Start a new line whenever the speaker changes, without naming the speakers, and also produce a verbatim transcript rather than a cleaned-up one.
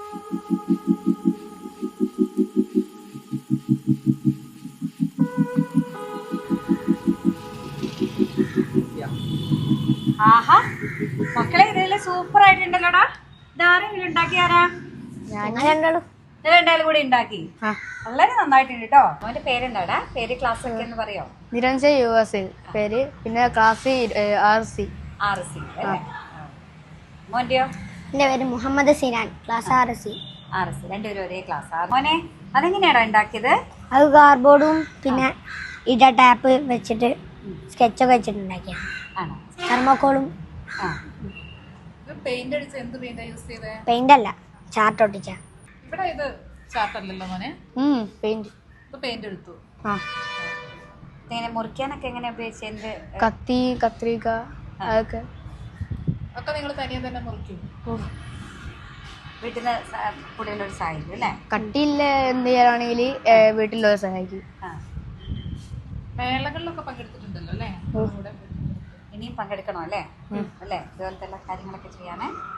ആഹാ മക്കളെ ഇതെല്ലാം സൂപ്പർ ആയിട്ടുണ്ടല്ലോടാ. ഇതാരെങ്കിലും ഉണ്ടാക്കിയാരാ? രണ്ടാളും കൂടി ഉണ്ടാക്കി. വളരെ നന്നായിട്ടുണ്ട് കേട്ടോ. അവന്റെ പേരെന്താടാ? പേര് ക്ലാസ് ഒക്കെ എന്ന് പറയോ?
നിരഞ്ജയ് യു എസ് പേര്. പിന്നെ class R C
R C അല്ലേ? മോന്റെയോ?
എന്റെ പേര് Muhammad Sinan, class R C.
R C രണ്ടുപേരും ഒരേ ക്ലാസ്. മോനെ അതെങ്ങനെയാണോ ഉണ്ടാക്കിയത്?
അത് കാർഡ്ബോർഡും പിന്നെ ഇട ടാപ്പ് വെച്ചിട്ട് സ്കെച്ചൊക്കെ വെച്ചിട്ട് ഉണ്ടാക്കിയത്.
ആണോ?
തെർമോക്കോളും.
പെയിന്റ് അടിച്ച എന്ത് പെയിന്റ് യൂസ് ചെയ്തേ?
പെയിന്റ് അല്ല, ചാർട്ട് ഒട്ടിച്ച.
ഇവിടെ ഇത് ചാർട്ടല്ലല്ലോ മോനെ.
പെയിന്റ്
പെയിന്റ് എടുത്തു.
ഇങ്ങനെ മുറിക്കാനൊക്കെ എങ്ങനെ ഉപയോഗിച്ചത്?
കത്തി, കത്രിക അതൊക്കെ
ഒക്കെ നിങ്ങൾ തനിയെ തന്നെ മുറിക്കും?
വീട്ടിൽ നിന്ന് കൂടുതൽ ഒരു സഹായിക്കും അല്ലേ?
കട്ടിയില്ല എന്ത് ചെയ്യാനാണെങ്കിൽ വീട്ടിലൊരു സഹായിക്കും.
മേളകളിലൊക്കെ പങ്കെടുത്തിട്ടുണ്ടല്ലോ അല്ലേ?
ഇനിയും പങ്കെടുക്കണോ അല്ലേ? അല്ലേ ഇതുപോലത്തെ എല്ലാ കാര്യങ്ങളൊക്കെ ചെയ്യാനേ.